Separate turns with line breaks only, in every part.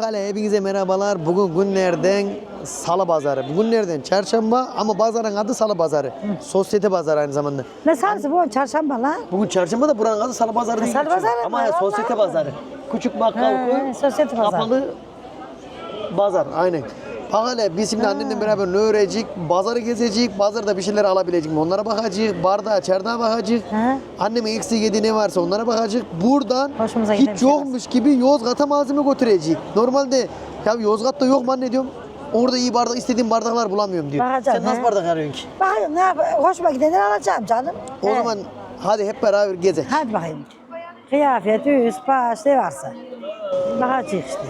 Bakale hepinize merhabalar. Bugün günlerden salı pazarı. Bugünlerden çarşamba ama pazarın adı salı pazarı. Sosyete pazarı aynı zamanda.
Ne salısı bu çarşamba lan?
Bugün çarşamba da buranın adı salı pazarı değil.
Salı
geçiyor.
pazarı
ama
mı?
ya, sosyete
Vallahi.
pazarı. Küçük bakkal koy.
Sosyete pazarı.
Kapalı pazar aynen. Bakale biz şimdi annemle beraber ne öğrenecek? Pazarı gezecek. Pazarda bir şeyler alabilecek mi? Onlara bakacak. Bardağa, çardağa bakacak.
He.
Annemin eksik yediği ne varsa onlara bakacak. Buradan
Hoşumuza giden bir
hiç
şey
yokmuş gibi Yozgat'a malzeme götürecek. Normalde ya Yozgat'ta yok mu anne diyorum. Orada iyi bardak istediğim bardaklar bulamıyorum diyor.
Bakacağım,
Sen nasıl
he.
bardak arıyorsun ki?
Bakayım ne yapayım? Hoşuma gidenleri alacağım canım.
O
He.
zaman hadi hep beraber gezek.
Hadi bakayım. Kıyafet, üst, baş ne varsa. Bakacağız işte.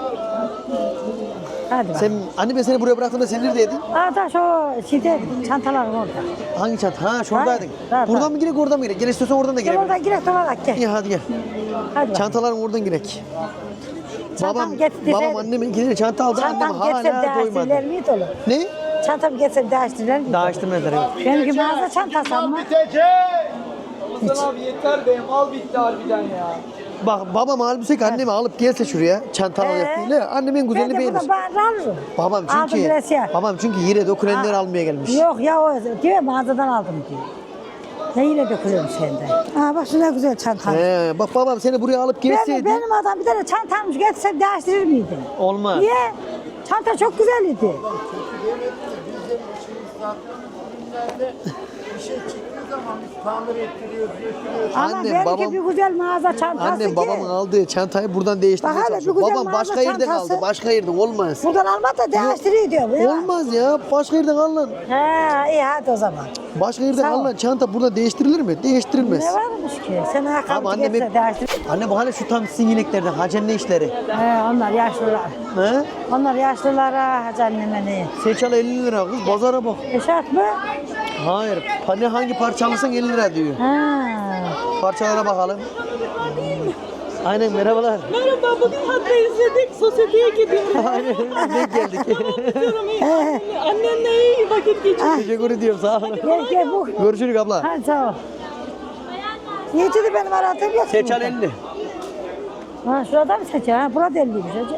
Hadi
Sen
bakayım.
anne ben seni buraya bıraktığımda sen neredeydin?
Aa da şu şeyde çantalarım orada.
Hangi çanta? Ha şuradaydın.
Ha,
Buradan
ha.
mı girek oradan mı girek? Gel istiyorsan oradan da
Gel
girelim.
oradan girek olarak gel.
İyi hadi gel.
Hadi bakayım.
Çantaların oradan girek.
Çantamı getirdi,
babam
sen-
annemin ikili çanta aldı. Annem
Çantamı getirsem
hala
değiştirirler
doymadı.
miydi oğlum?
Ne?
Çantamı getirsem değiştirirler miydi?
Daha içtirmediler evet.
Benimki mağaza çantası ama.
Hasan abi yeter be, mal bitti harbiden ya.
Bak babam halbuki ki annemi alıp gelse şuraya çanta alacak diye. Annemin güzelini
Ben de
beğenir.
buradan bağırır alırım.
Babam
Aldım
çünkü
biraz ya.
babam çünkü yere dökülenleri almaya gelmiş.
Yok ya o diyor mağazadan aldım diyor. Ne yine dökülüyorum senden. Aa bak şu ne güzel çantam.
Bak babam seni buraya alıp gelseydi
Benim adam bir tane çantammış getirsem değiştirir miydi?
olmaz.
Niye? Çanta çok güzel idi.
Bir şey çıktığı zaman biz tamir ettiriyoruz, götürüyoruz.
Ama
Annem,
benimki
babam-
bir güzel mağaza çantası
Annem
ki.
babamın aldığı çantayı buradan değiştirmeye
Bak hele,
çalışıyor.
bir güzel
Babam başka
mağaza
yerden
çantası.
aldı. Başka yerden olmaz.
Buradan alma da değiştiriyor diyorum. Ya.
Olmaz ya. Başka yerden alınan.
He iyi hadi o zaman.
Başka yerden
Sağ ol.
alınan çanta burada değiştirilir mi? Değiştirilmez.
Ne varmış ki? Sen
Ama
ayakkabı
annem
getirse
hep...
değiştirir.
Anne bu hala şu tam sizin ineklerden. Hacen ne işleri?
He onlar yaşlılar.
He?
Onlar yaşlılara hacı anneme ne?
Seçal 50 lira kız. Pazara bak.
Eşat mı?
Hayır. Ne hangi parça alırsan 50 lira diyor.
Ha.
Parçalara bakalım. Aynen merhabalar.
Merhaba, bugün hatta izledik. Sosyeteye gidiyoruz.
Aynen denk geldik.
Diyorum iyi. Annenle iyi vakit geçir.
Teşekkür ediyorum sağ olun.
Gel bu.
Görüşürüz abla.
Hadi sağ ol. Niyeti benim aradığım yok.
Seçal 50.
Ha şurada mı seçer? Ha burada 50'ymiş hacı.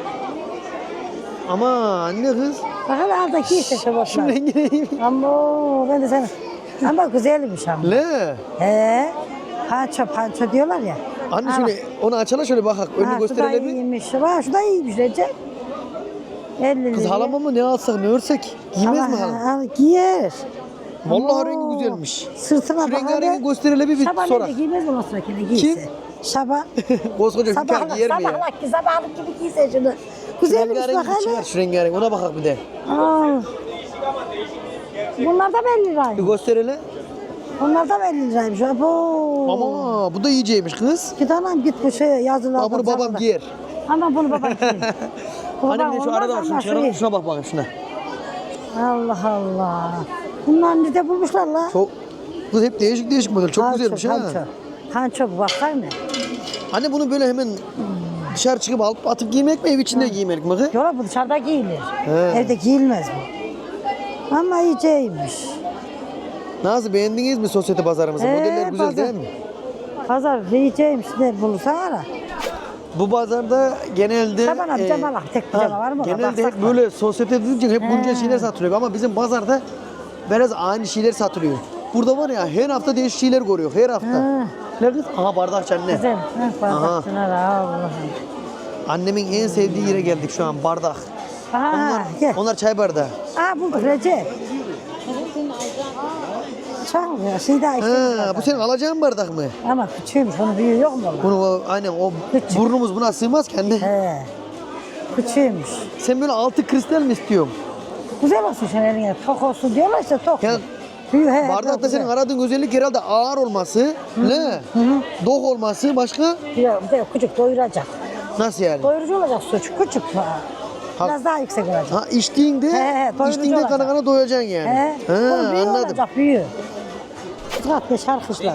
Ama anne kız.
Bak hele aldaki işte şu
Şu
botlar.
rengine iyi.
Ama ben de sana. Ama güzelmiş ama.
Ne?
He. Panço diyorlar ya.
Anne
Ha,
şöyle onu açala şöyle bakak. Önünü
Ha, şu da
gösterelim mi?
iyiymiş. Ha, şu da iyiymiş Recep. 50 lira.
Kız halama mı ne alsak ne örsek? Giymez mi halam?
Giyer.
Vallahi
Oo,
rengi güzelmiş.
Sırtına
Şu
bak
rengarengi gösterelim bir
Şaban
sorak.
ne giymez mi o sırakine giyse? Şaban.
Koskoca hükâr giyer mi ya?
Sabahlık gibi giyse şunu. Güzelmiş bak
Rengarengi çıkar
hele.
şu rengarengi. Ona bakak bir de.
Aa. Bunlar da 50
Bir
liraymış.
gösterelim.
Bunlar da 50 liraymış. Abo.
Ama bu da iyiceymiş kız.
Git anam git bu şey yazılarda.
Aa, bunu babam giyer.
Ama bunu babam giyer.
Anne bir de şu arada var. Şunu çıkaralım. Şuna bak bakayım şuna.
Allah Allah. Bunlar nerede bulmuşlar la?
Çok kız hep değişik değişik model. Çok güzelmiş ha.
Hanço bu baksana.
Anne bunu böyle hemen dışarı çıkıp alıp atıp giymek mi ev içinde giymek mi? kız?
Yola bu dışarıda giyilir.
He.
Evde giyilmez bu. Ama iyiceymiş.
Nasıl beğendiniz mi sosyete pazarımızı? Modeller güzel
pazar.
değil mi?
Pazar iyiceymiş. Ne bulursan ara.
Bu pazarda genelde
Şaban abi, cama bak, tek bir cama var mı?
Genelde
Baksak
hep böyle sosyete deyince hep güncel şeyler satılıyor ama bizim pazarda biraz aynı şeyler satılıyor. Burada var ya her hafta değişik şeyler görüyor her hafta.
Ha.
Ne kız? Aha bardakçı anne.
Güzel. Bardakçına Allah'ım.
Annemin en sevdiği yere geldik şu an bardak.
Aha gel.
Onlar çay bardağı.
Aa bulduk Recep. Çok ya şey daha
Ha, bu senin alacağın bardak mı?
Ama küçüğümüş onun büyüğü yok mu? lan?
Bunu aynen o
Küçük.
burnumuz buna sığmaz ki anne.
He. Küçüğümüş.
Sen böyle altı kristal mi istiyorsun?
Güzel olsun senin eline. Tok olsun diyorlar işte tok.
Yani
Büyük he.
bardakta
çok
senin
güzel.
aradığın özellik herhalde ağır olması, ne? Dok olması başka?
Bir de küçük doyuracak.
Nasıl yani?
Doyurucu olacak suç. Küçük. Biraz daha yüksek olacak.
Ha içtiğinde,
doyurucu
içtiğinde
olacak.
kana kana doyacaksın yani.
He.
Ha,
Bunun büyüğü
anladım.
olacak büyüğü. Tıkat beş arkadaşlar.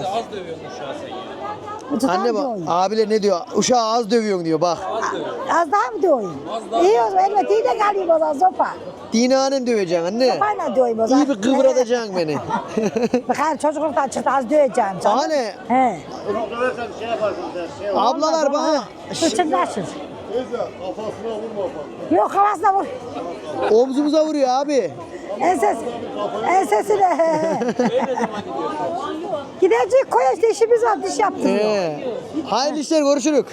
Anne bak, abiler ne diyor? Uşağı az dövüyorsun diyor bak.
Az daha mı döveyim? İyi o zaman elime de kalayım o zaman sopa.
Dinanem döveceksin anne.
Sopayla döveyim o zaman.
İyi bir kıvratacaksın beni.
Bakar çocuklardan çıktı az döveceğim canım.
Hani
He.
ablalar bana
Fırçınlaşır.
Neyse kafasına vurma bak.
Yok kafasına vur.
Omzumuza vuruyor abi.
Ensesine. Gidecek koya işte işimiz var diş yaptırıyor.
Hayırlı işler görüşürük.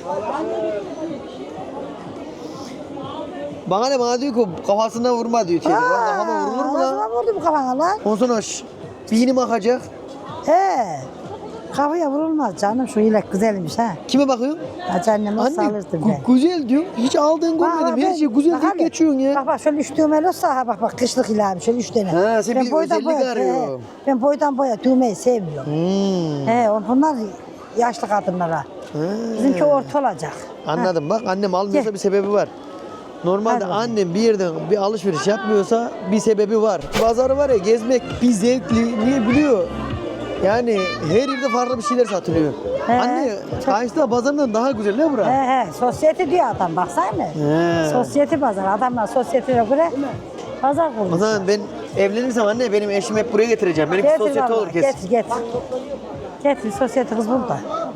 Bana diyor ki kafasına vurma diyor. Teyze. Bana kafama vurulur mu lan?
Kafasına vurdu bu kafana lan.
Ondan sonra beynim akacak.
He. Kafaya vurulmaz canım şu ilek güzelmiş ha.
Kime bakıyorsun?
Hacı anneme
Anne
sağlardım ben.
güzel diyor. Hiç aldığın görmedim. Her şey güzel deyip geçiyorsun ya.
Bak şöyle üç düğmeli olsa ha bak kışlık ilahım şöyle üç tane.
Ha, sen bir özellik arıyorsun.
Ben boydan boya düğmeyi sevmiyorum. He onlar yaşlı kadınlara. Bizimki orta olacak.
Anladım bak annem almıyorsa
Gel.
bir sebebi var. Normalde
Hadi
annem bir yerden bir alışveriş yapmıyorsa bir sebebi var. Pazarı var ya gezmek bir zevkli niye biliyor? Yani her yerde farklı bir şeyler satılıyor.
He.
Anne Kayseri pazarından daha güzel ne bura?
He sosyete diyor adam baksana.
He.
Sosyete pazar adamlar sosyeteye göre pazar
O
kurmuş.
zaman ben evlenirsem anne benim eşimi hep buraya getireceğim. Benimki sosyete
vallahi,
olur kesin.
Getir. Getir sosyete kız burada.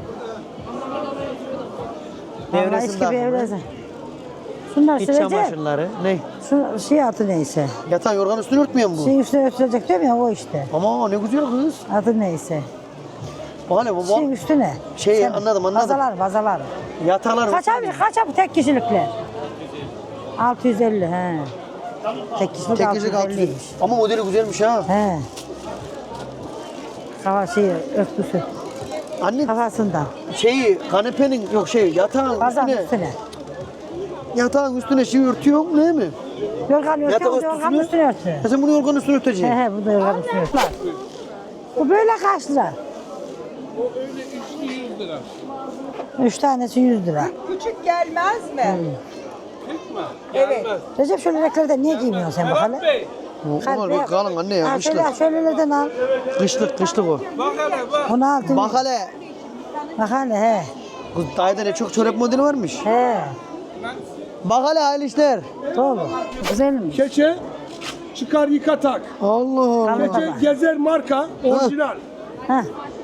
Vallahi
Nevresim
eski
de
bir
aklımda.
evresin. Şunlar
İç
sürecek.
çamaşırları. Ne?
Şu şey adı neyse.
Yatağın yorgan üstünü örtmüyor mu bu?
Şeyin üstüne örtülecek diyorum ya o işte.
Ama ne güzel kız.
Adı neyse.
Bak hele bu
Şeyin üstüne.
Şey, anladım.
Bazalar.
Yataklar.
Kaç abi tek kişilikler? 650 he. Tek kişilik
Tek kişilik
650.
600. Ama modeli güzelmiş ha.
He. Kafa şeyi örtüsü
Anne
kafasından.
kanepenin yok yatağın
Bazanın
üstüne.
üstüne.
Yatağın üstüne yutuyor değil mi?
Yorgan
Yatak
örtüyor, yorgan üstüne örtüyor.
Sen bunu yorganın üstüne örteceksin.
He bu da yorgan üstüne örtüyor. Bu böyle kaç lira?
O öyle üçlü 100 lira.
3 tanesi 100 lira.
Küçük gelmez mi?
Evet. Recep şöyle renklerden niye giymiyorsun sen bakalım?
Bey,
Onlar bir kalın anne ya
Ha,
kışlık.
şöylelerden al.
Kışlık o.
bak hele bak.
Onu al.
Bak hele.
Bak hele he.
Kız dayıda ne çok çorap modeli varmış.
He.
Bak hele hayırlı işler.
Doğru. Güzelmiş.
Keçe çıkar yıka tak.
Allah Allah.
Tamam.
Keçe gezer marka orijinal.
Ha.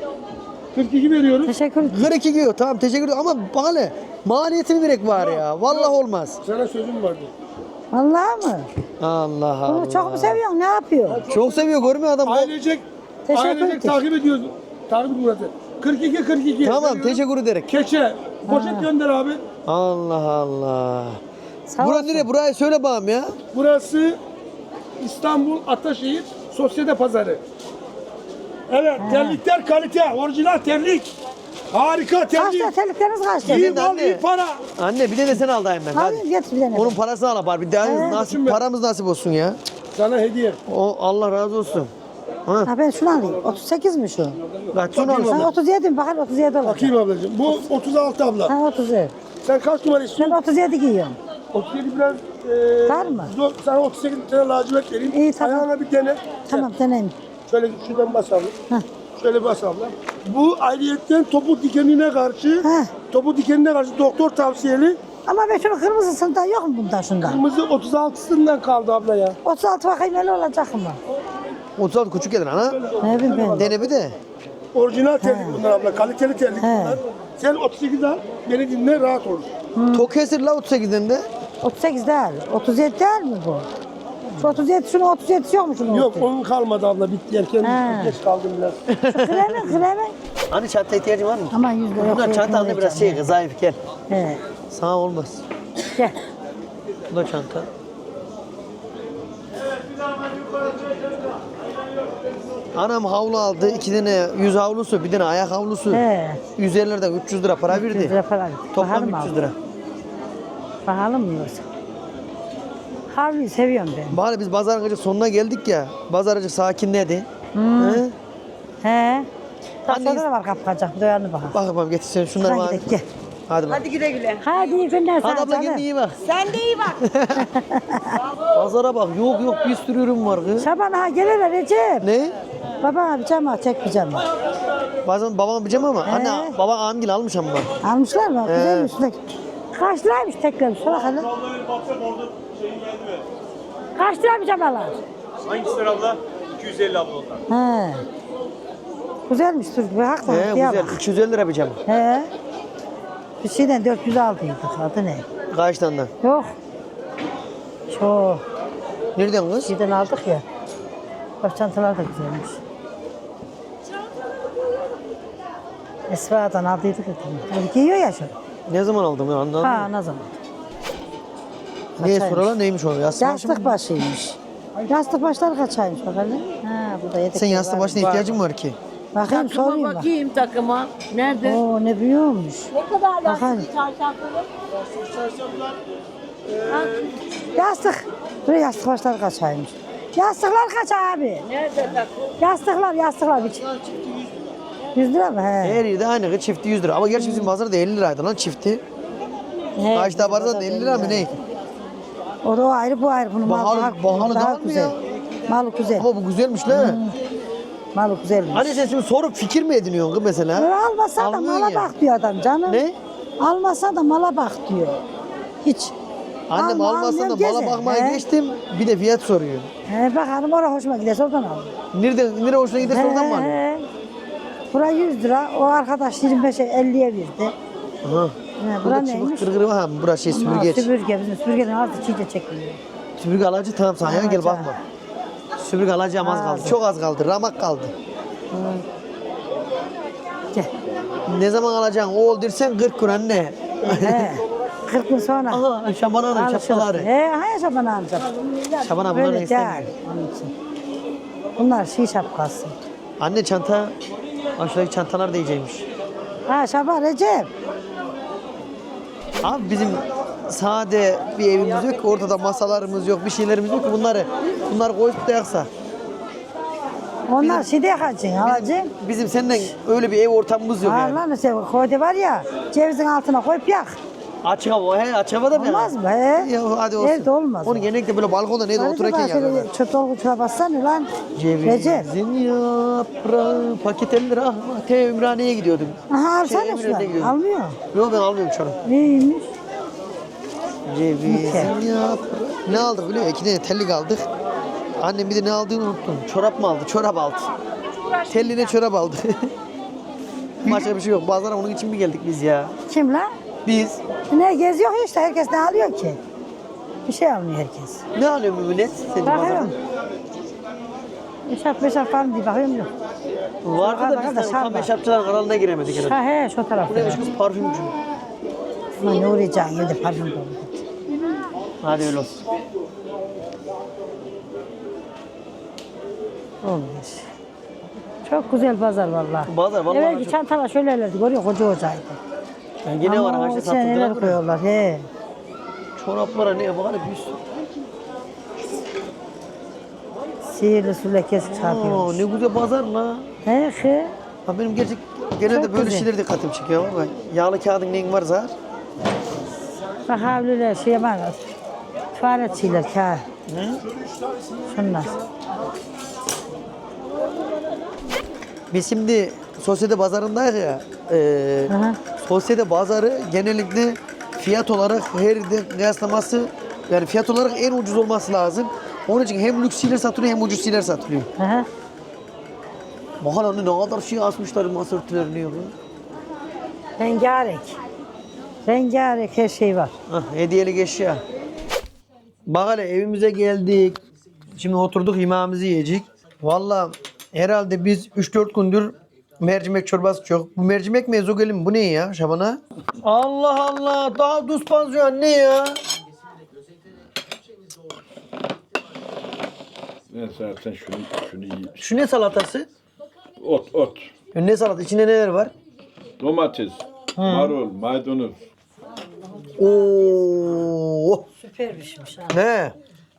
42 veriyoruz.
Teşekkür ederim.
42 giyiyor tamam teşekkür ederim ama bak hele maliyetini verek var ya. Vallahi olmaz.
Sana sözüm vardı.
Vallahi mı?
Allah Allah.
Bunu çok mu seviyorsun? Ne yapıyor?
Çok seviyor görmüyor adam.
Ailecek,
Teşekkür
ailecek
ederim.
takip ediyoruz. Takip Murat'ı. 42.
Tamam
veriyorum.
teşekkür ederek.
Keçe. Poşet gönder abi.
Allah Allah.
Sağ
Bura
olsun.
nereye? Burayı söyle bağım ya.
Burası İstanbul Ataşehir Sosyete Pazarı. Evet, terlikler kalite, orijinal terlik. Harika
Kaç
terlik.
lira terlikleriniz kaç lira?
İyi
Senin
mal,
anne.
iyi para.
Anne bir de sen al dayım ben. Hadi.
Hadi getir bir tane.
Onun parasını al bari. Bir daha nasip,
Şimdi-
paramız nasip olsun ya.
Sana hediye.
O Allah razı olsun. Ha.
Ha ben şunu alayım. 38 mi şu?
Kaç şunu
Bakayım
al.
Sen 37 mi? Bakın 37 olacak.
Bakayım ablacığım. Bu 36 abla.
Ha 37.
Sen kaç numara
Ben
istiyorsun?
37 giyiyorum.
37 biraz
Var mı?
zor. Sana 38 tane lacivert vereyim.
İyi, tamam.
Ayağına bir dene.
Tamam deneyim.
Şöyle şuradan bas abla.
Heh.
Şöyle bas abla. Bu ayrıyetten topuk dikenine karşı,
Heh.
topuk dikenine karşı doktor tavsiyeli.
Ama ben şunu kırmızısından yok mu bundan şundan?
Kırmızı 36'sından kaldı abla ya.
36 bakayım öyle olacak mı?
36 küçük gelir ana.
Ne bileyim ben.
Dene bir de.
Orijinal terlik bunlar abla. Kaliteli terlik bunlar. Sen 38 al. Beni dinle rahat olur.
Tok kesir la 38'den de.
38 değil. 37 değil mi bu? Şu 37, şunun 37 yok mu şunun?
Yok
37?
onun kalmadı abla. Bitti erken
He.
geç kaldım biraz.
Kremi.
Hani çanta ihtiyacın var mı?
Aman 100 lira yok.
Bunlar çanta anne biraz zayıf gel.
He.
Sana olmaz.
Gel.
Bu da çanta. Anam havlu aldı. 2 tane yüz havlusu, bir tane ayak havlusu.
He.
150'lerden 300 lira para
100
verdi.
lira para.
Toplam
Bakalım
300
abi.
lira.
Bakalım mı yoksa? Havluyu seviyorum ben.
Bari biz pazarın acık sonuna geldik ya. Pazar acık sakinledi. He?
He. Taşlarda
Anne-
da var kapkacak. Doyanı bakalım.
Bak bakalım getir sen şunları
Hadi
bana.
gidelim, gel.
Hadi bak.
Hadi güle güle.
Hadi iyi günler sana
Hadi abla
canım.
kendine iyi bak.
Sen de iyi bak.
Pazara bak. Yok bir sürü ürün var kız.
Şaban ha gel hele Recep.
Ne?
Baba bir cam al, tek bir cam al.
Bazen babam pijama ama
He.
anne baba amgil almış ama.
Almışlar mı? Güzelmiş. Kaç liraymış tekrar? Sonra hele. Kaç lira bir camalar?
Hangisi abla? 250 abla onlar.
He. Güzelmiş dur. Bir hak var.
He
diye
güzel.
bak.
250 lira pijama.
He. Bir şeyden 400 aldıydık. Adı ne?
Kaç tane?
Yok. Çok.
Nereden kız?
Şeyden aldık ya. Bak çantalar da güzelmiş. Esra'dan aldıydık ya. Böyle giyiyor ya şu.
Ne zaman aldın ya anladın mı?
Ha ne zaman?
Neye
kaçaymış?
soruyorlar neymiş o? Yastık başı
Yastık
mı?
başıymış. Yastık başlar kaçaymış bakalım. Ha burada yedek.
Sen yastık başına ihtiyacın var ki.
Bakayım
Takıma
sorayım bak.
bakayım takıma. Nerede?
Oo ne büyüyormuş.
Ne kadar
Bakalım.
lastik çarşafları?
Yastık. Buraya yastık başlar kaçaymış. Yastıklar kaç abi?
Nerede takım?
Yastıklar bir 100 lira mı? He.
Her yerde aynı çifti 100 lira. Ama gerçi bizim pazarda 50 liraydı lan çifti.
He,
Kaçta
bizim
pazarda
orada
50 lira mı ne?
O da o ayrı bu ayrı. Bunun
Bahalı- bahalı
daha
da var mı
güzel.
ya?
Malı güzel.
Ama bu güzelmiş lan.
Malı güzelmiş.
Hani sen şimdi sorup fikir mi ediniyorsun kız mesela?
Almasa da
Almıyorsun
mala
ya.
bak diyor adam canım.
Ne?
Almasa da mala bak diyor. Hiç.
Annem
Alma,
almazsa da
almıyorum,
mala
geze.
bakmaya
He.
geçtim. Bir de fiyat soruyor.
He bak hanım oraya hoşuma giderse oradan al.
Nereye hoşuna giderse oradan mı alıyorsun?
He. Bura 100 lira. O arkadaş 25'e 50'ye verdi.
Aha.
He, bura
Burada
neymiş?
çıbık kırgırı var ha. Burası şey
Ama
süpürgeç.
Süpürge. Bizim süpürgenin altı çiğde çekiliyor.
Süpürge alacı tamam sana ya gel
Alacağım.
bakma. Süpürge alacağım az kaldı.
Aldım.
Çok az kaldı. Ramak kaldı.
Gel.
Ne zaman alacaksın? Oğul dersen 40 kur anne.
He. 40 gün sonra.
Aha Şaban Hanım
Alışırız.
şapkaları.
He, hayır şaban alacağım.
Şaban Hanım bunları
Böyle
istemiyor.
değil. Onun için. Bunlar şey şapkası.
Anne çanta, aşağıdaki çantalar da iyiceymiş.
Ha şaban Recep.
Abi bizim sade bir evimiz yok ki, ortada masalarımız yok, bir şeylerimiz yok ki bunları koyup da yaksa.
Onlar şeyde yakacaksın alacaksın.
Bizim seninle öyle bir ev ortamımız yok yani.
Allah mesela koyde var ya cevizin altına koyup yak.
Açık hava, açık hava da mı?
Olmaz mı? He?
Ya hadi olsun.
Evde olmaz
Onu
o.
genellikle böyle balkonda neydi otururken yakıyorlar.
Çöp dolguçuna bassana lan. Recep.
Cevizin yaprağı, paket 50 lira. Ümraniye'ye gidiyordum.
Aha alsana
Eminönü'ne
şunu.
gidiyordum.
Almıyor.
Yok ben almıyorum şu an.
Neymiş?
Cevizin yaprağı. Ne aldık biliyor musun? 2 tane tellik aldık. Annem bir de ne aldığını unuttum. Çorap mı aldı? Çorap aldı. Telline çorap aldı. Başka bir şey yok. Pazara onun için mi geldik biz ya?
Kim lan?
Biz.
Ne geziyor işte herkes ne alıyor ki? Bir şey almıyor herkes.
Ne alıyor Mümünet? Senin pazarda?
Bakıyorum. Eşap falan diye bakıyorum yok.
Vardı da
Arkada
biz de
şal
tam
var.
eşapçıların kanalına giremedik herhalde.
Ha he şu
Bu
tarafta.
neymiş kız parfümcü.
Ulan ne uğrayacaksın evde parfüm dolu.
Hadi öyle olsun.
Olmuş. Çok güzel pazar vallahi.
Pazar vallahi
Evvelki
çok-
çantalar şöylelerdi görüyor koca hocaydı.
Yani yine var
Ama
ağaçta
o içine neler
satıldılar.
koyuyorlar he.
Çoraplara ne yapar? Bir sürü.
Sihirli su lekesi
Aa,
çarpıyormuş.
ne güzel pazar la.
He he.
Ha benim genelde
Çok
böyle
güzel.
şeyler dikkatimi çekiyor ama yağlı kağıdın neyin var zar?
Bak havliler şey var. Tuvalet şeyler kağıt. Şunlar.
Biz şimdi sosyete pazarındayız ya.
Aha.
Sosyete pazarı genellikle fiyat olarak her yerde kıyaslaması yani fiyat olarak en ucuz olması lazım. Onun için hem lüks şeyler satılıyor hem ucuz şeyler satılıyor.
Aha.
Bakın onu ne kadar şey asmışlar masa örtülerini yok.
Rengarenk. Rengarenk her şey var.
Hah, hediyelik eşya. Bak hele evimize geldik. Şimdi oturduk yemeğimizi yiyecek. Valla herhalde biz 3-4 gündür mercimek çorbası çok. Bu mercimek mi ezogelin mi? Bu ne ya Şaban'a? Allah Allah daha duz pansiyon ne ya?
Ne zaten şunu yiyeyim.
Şu ne salatası?
Ot.
Ne salat? İçinde neler var?
Domates, marul, maydanoz.
Oo.
Süper pişmiş ha.
Ne?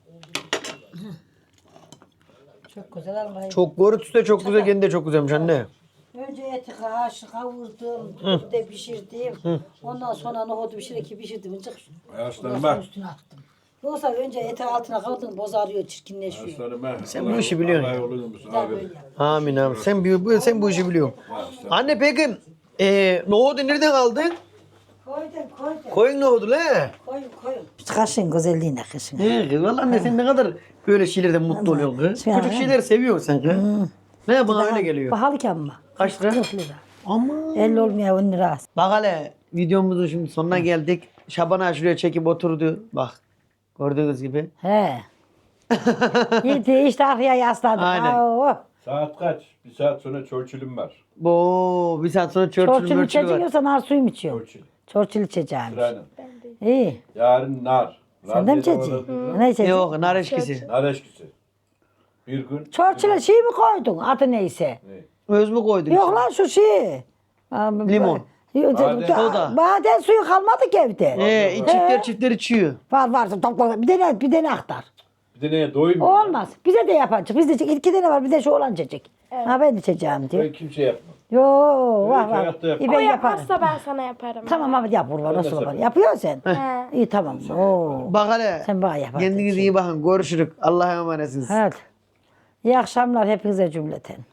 Çok güzel almayı.
Çok görüntüsü de çok güzel, kendi de çok güzelmiş anne.
Önce eti kavurdum, bir de pişirdim. Ondan sonra nohudu pişirdim.
Aslanıma.
Üstüne attım. Yoksa önce eti altına kavurdun bozarıyor, çirkinleşiyor.
Aslanıma.
Sen bu işi biliyorsun.
Allah yolunu abi.
Amin abi. Sen bu işi biliyorsun. Anne peki nohudu nereden aldın?
Koydum.
Koyun nohudu le.
Koyun. Kaşın güzelliğine kaşın.
He valla anne sen ne kadar böyle şeylerden mutlu oluyorsun kız.
Ya.
Küçük şeyler seviyorsun sen kız. Ne bana öyle geliyor.
Pahalı ki ama.
Kaç lira?
40 lira.
Ama.
50 olmuyor 10 lira.
Bak hele videomuzun şimdi sonuna geldik. Şaban ağa şuraya çekip oturdu. Bak. Gördüğünüz gibi.
He. Gitti işte arkaya yasladı.
Aynen.
Oo.
Saat kaç? Bir saat sonra Churchill'im var.
Bu bir saat sonra
Çorçul
Churchill var.
içeceksen nar suyum içiyorum.
Churchill.
Çorçul içeceğim.
Sırayla.
İyi.
Yarın nar.
Sen de mi içeceksin? Ne içeceksin?
Yok nar eşkisi.
Nar eşkisi. Bir gün.
Çorçul'a şey mi koydun? Adı neyse.
Öz mü koydun?
Yok
içine?
lan şu şey.
Limon.
Badem.
Badem suyu kalmadı ki evde.
Çiftler içiyor.
Var. Topla. Bir tane aktar.
Bir de neye doymuyor.
Olmaz. Bize de yapacak. Bizde iki tane var. Bir de şu olan çekecek. Ha ben içeceğim diyor.
Ben kimse yapmam.
Yo var var.
hayatta yapmam.
İyi
O
ben yaparım.
yaparsa ben sana yaparım.
Tamam abi yap kurban
Ben de
nasıl olur.
sana.
Yapıyorsun sen.
He.
İyi tamam. Oo.
Bak hele.
Sen bana yaparsın.
Kendinize iyi bakın. Görüşürük. Allah'a emanetsiniz.
Evet. İyi akşamlar hepinize cümleten.